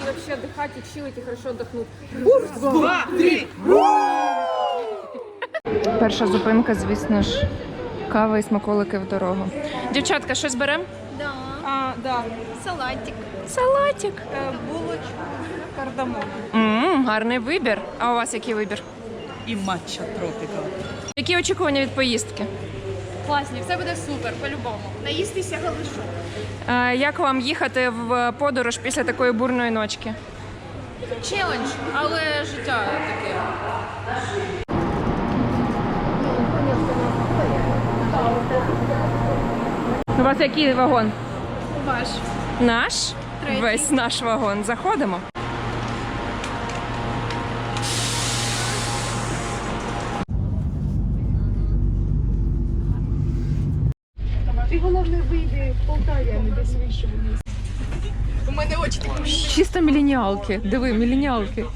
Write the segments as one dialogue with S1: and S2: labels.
S1: вообще отдыхать и чилить, и хорошо отдохнуть.
S2: Курс, 2, 3.
S3: Перша зупинка, звісно ж, кава і смаколики в дорогу. Дівчатка, щось беремо?
S4: Да.
S2: Да.
S4: Салатик.
S3: Салатик.
S2: Булочку, кардамон.
S3: Гарний вибір. А у вас який вибір?
S2: І матча тропіка.
S3: Які очікування від поїздки?
S4: Класні, все буде супер, по-любому. Наїстися галишу.
S3: Як вам їхати в подорож після такої бурної ночки?
S4: Челендж, але життя таке.
S3: У вас який вагон?
S4: Ваш.
S3: Наш?
S4: Третій.
S3: Весь наш вагон. Заходимо.
S4: Ти головне вийди в Полтаві, а не десь вище вниз. У мене очі такі.
S3: Чисто міленіалки. Диви, міленіалки.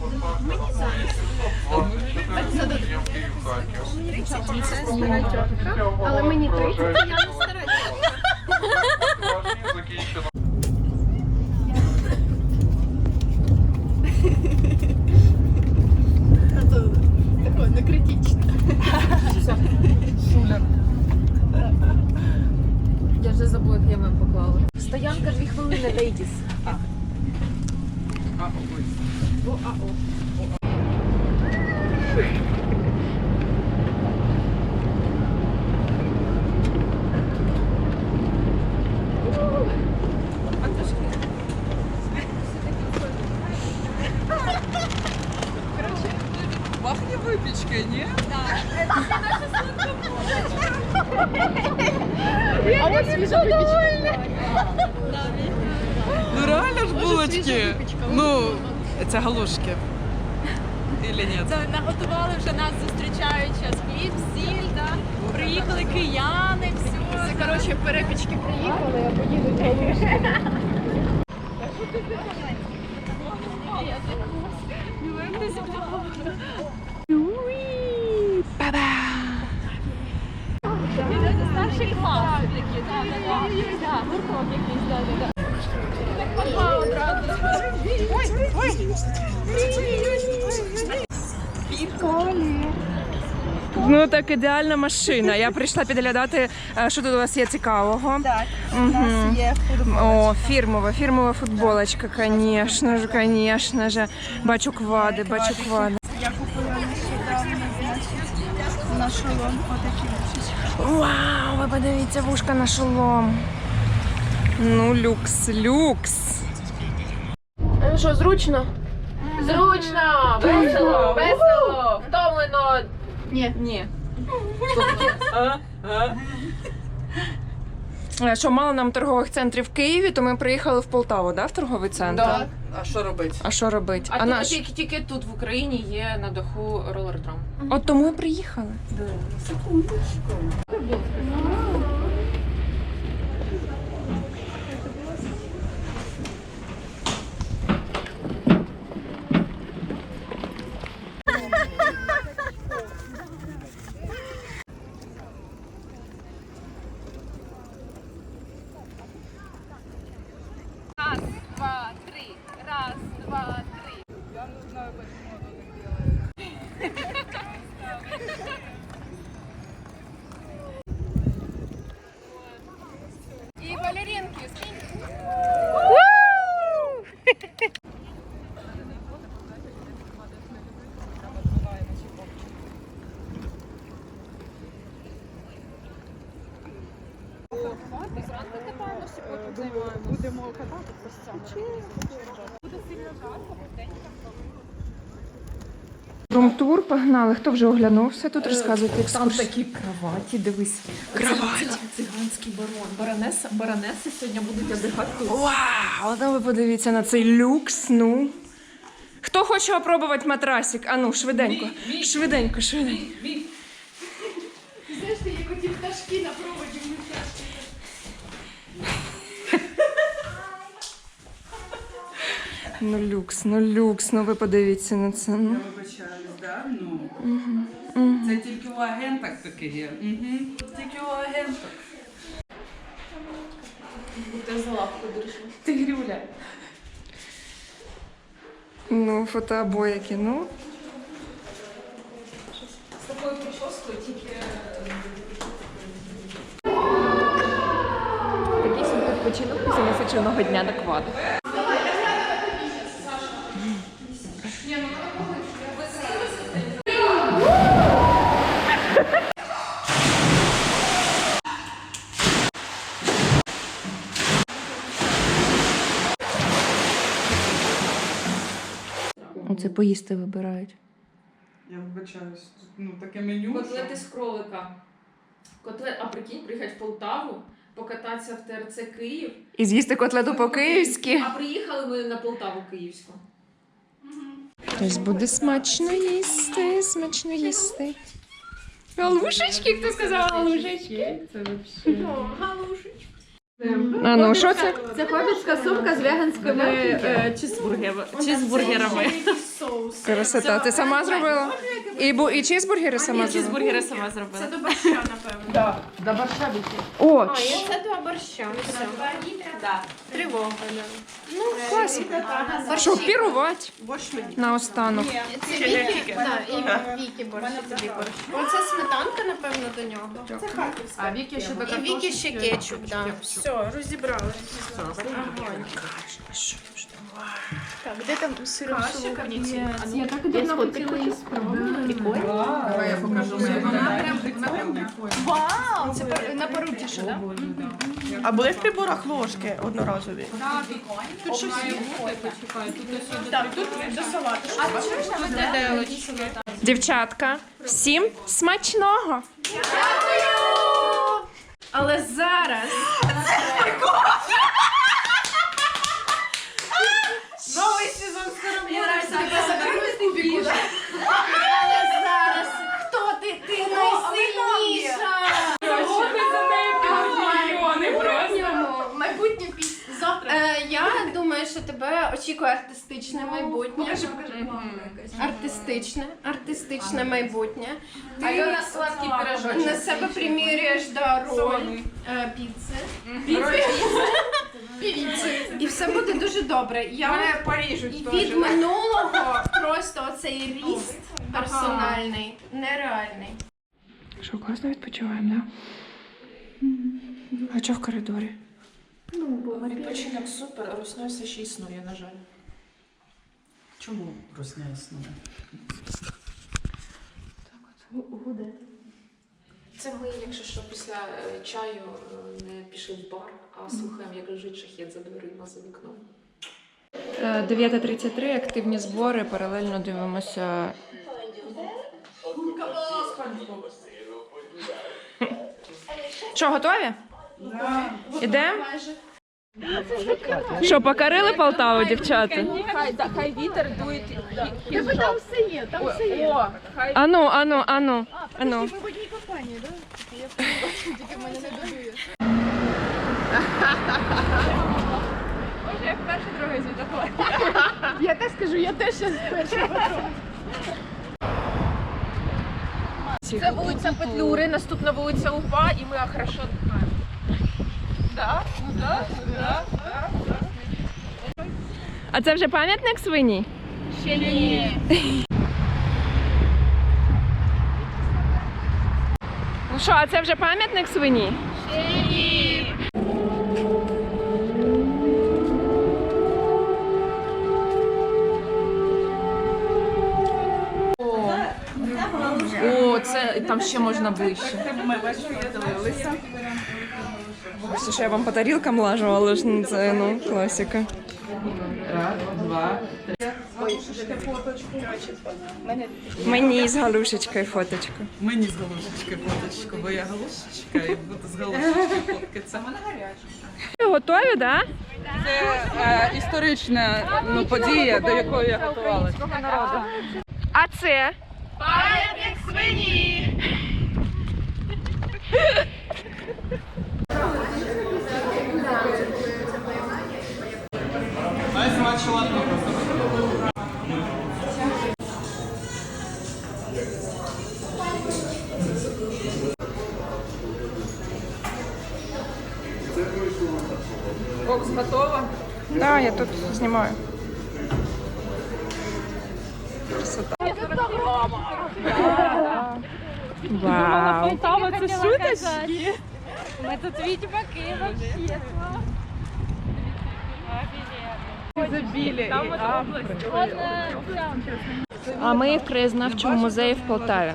S4: Але мені 30, я не стараюся. Такое, не критично.
S1: Я вже забула, як я мем поклала. Стоянка 2 хвилини, лейдіс.
S2: Пахне випічкою, ні?
S4: А ось свіжа випічка.
S2: Ну реально ж булочки. Ну, це галушки. Или ні?
S5: Це наготували вже нас зустрічають час хліб, сіль, да? Приїхали кияни, все.
S4: Це, коротше, перепічки приїхали, а поїдуть галушки.
S5: Старший клас такі, да, гурток якийсь, да.
S3: Ну так ідеальна машина. Я прийшла підглядати, що тут у вас є цікавого.
S2: Так, у нас є
S3: О, фірмова футболочка, звісно ж. Бачу квади.
S2: Я купила нещодавно, значить, на шолом отакі вушечки.
S3: Вау, ви подивіться, вушка на шолом. Ну, люкс.
S1: Що, зручно? Зручно! Весело! Втомлено!
S4: Ні.
S3: Що, мало нам торгових центрів в Києві, то ми приїхали в Полтаву, да, в торговий центр?
S1: Да.
S2: А що робити?
S3: А що робити?
S1: А тут тільки тут в Україні є на даху ролердром.
S3: От тому і приїхали.
S5: Раз, два, три. Раз, два, три.
S2: Я не знаю, почему оно так делает.
S5: І балеринки, скинь.
S2: Будемо катати постійно.
S3: Румтур, погнали. Хто вже оглянувся? Тут розказуйте екскурсію.
S1: Такі кроваті, дивись. Циганський барон. Баронеси сьогодні будуть віддихати тут.
S3: Вау, ну ви подивіться на цей люкс, ну. Хто хоче опробувати матрасик? А ну, швиденько. Швиденько.
S4: Знаєш, ти як оті пташки на проводі в
S3: Ну люкс, ну ви подивіться на це. Ну.
S2: Я вибачаюсь, да? Це тільки у агенток таке є. Тільки у агенток.
S1: Ти за лапку держи. Ти Грюля.
S3: Ну, фотообої кіно.
S5: З такою прическою тільки...
S1: Такий собі відпочинок після насиченого дня на кваду. Оце поїсти вибирають.
S2: Я вибачаюсь. Ну, таке меню.
S5: Котлети з кролика. А прикинь, приїхати в Полтаву, покататися в ТРЦ Київ.
S3: І з'їсти котлету по-київськи.
S5: А приїхали ми на Полтаву Київську.
S3: Тобто буде смачно їсти, смачно їсти. Галушечки, хто сказав галушечки?
S2: Це взагалі.
S3: А ну, що це?
S1: Це хобітська сумка з веганськими чизбургерами.
S3: Красота. Ти сама зробила? І чизбургери сама зробила?
S5: Чизбургери сама зробила.
S4: Це до борща, напевно.
S2: Да, до борща біки.
S3: О,
S4: А, і це до борща. Все. Тривога.
S3: ну, класно. Що, пірувати? Наостанок.
S4: Це Вікі? Так, і Вікі борщ. Тобі борщ. Оце сметанка, напевно, до нього. Це харківська.
S2: А Віки ще до
S4: І Вікі ще кетчуп, так. Все, розібрали. Так, де там сиром солониці?
S1: Я так і давно хотіла її спробувати.
S2: Давай я покажу.
S4: Вау! Це на пару тіше, так?
S6: А були в приборах ложки одноразові?
S4: Тут щось є. Так, тут до салату. А чого ж тут виделочки?
S3: Дівчатка, всім смачного!
S4: Але зараз...
S2: Новий сезон скоро буде.
S4: Але зараз... Хто ти? Ти найсильніша! Майбутнє пісня. Завтра. Я думаю, що тебе очікує артистичне майбутнє. Артистичне майбутнє. Ти
S5: на сладкий пирожочок.
S4: на себе примірюєш роль піци. Піци. І все буде дуже добре. Я від минулого просто оцей ріст персональний, нереальний.
S3: Що, класно відпочиваємо, да? А чого в коридорі?
S1: Відпочинок супер, Русня все ще існує, на жаль.
S2: Чому русня існує?
S1: Це ми, якщо що, після чаю не пішли в бар, а слухаємо, як лежить шахет за дверима, за вікном.
S3: 9:33, активні збори, паралельно дивимося. Що, готові? Ідемо? Що, покорили Полтаву, дівчата?
S5: Хай вітер дує.
S4: Тебе там все є, там все є.
S3: Ану.
S4: Ми в одній компанії, так? Тільки в мене не додує.
S5: Як перший, другий світофор.
S4: Я теж скажу, я теж зараз перша.
S5: Це вулиця Петлюри, наступна вулиця УПА, і ми хорошо знаємо.
S3: А це вже пам'ятник свині?
S4: Ще ні.
S3: Ну що, а це вже пам'ятник свині?
S5: О, це там ще можна ближче.
S3: Все, що я вам по тарілкам лажу, але ж ну, це класика.
S2: Раз, два, три.
S3: Мені з галушечкою фоточку.
S2: Мені з галушечкою фоточку, бо я галушечка і буду з галушечкою фоткатися.
S3: Ви готові, так? Да?
S2: Це історична подія, до якої я готувалася.
S3: А це?
S4: Пам'ятник свині!
S5: Бокс готова?
S3: Так, я тут знімаю. Вау.
S5: Полтава це шуточки. Ми тут відьмаки вообще. Там от область.
S3: А ми в краєзнавчому музеї в Полтаві.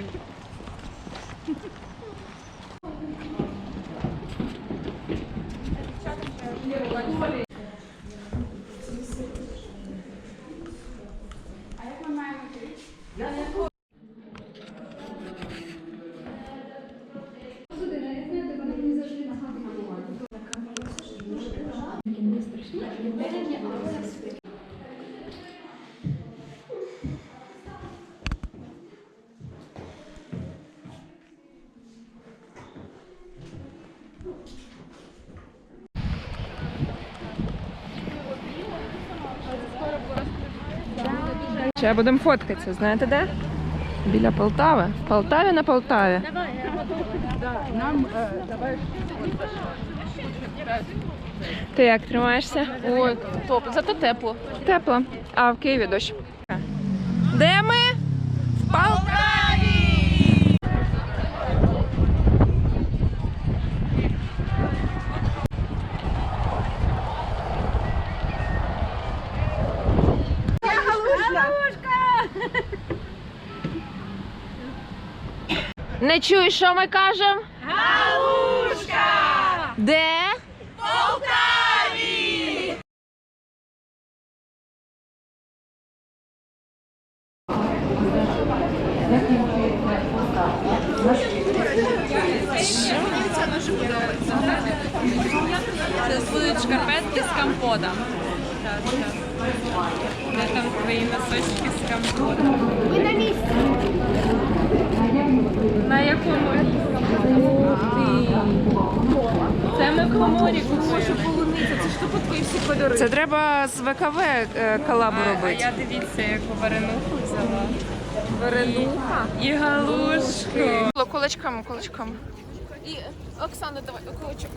S3: Ще будемо фоткатися, знаєте де? Біля Полтави. В Полтаві на Полтаві. Ти як тримаєшся?
S5: Ой, топ, зато тепло.
S3: Тепло. А в Києві дощ. Де ми? В Полтаві! Не чуєш, що ми кажемо? Галушка! Де?
S5: Це будуть шкарпетки з компотом. Де там твої носочки з компотом?
S4: Ми на місці.
S5: На якому місці? Ух ти! Це ми в коморі купили. Це ж тупо твої всі кольори.
S3: Це треба з ВКВ колабу
S5: А
S3: робити.
S5: я дивіться, яку варенуху взяла. Варенуха і галушку.
S3: Кулачками, кулачками.
S5: І Оксана, давай околочок.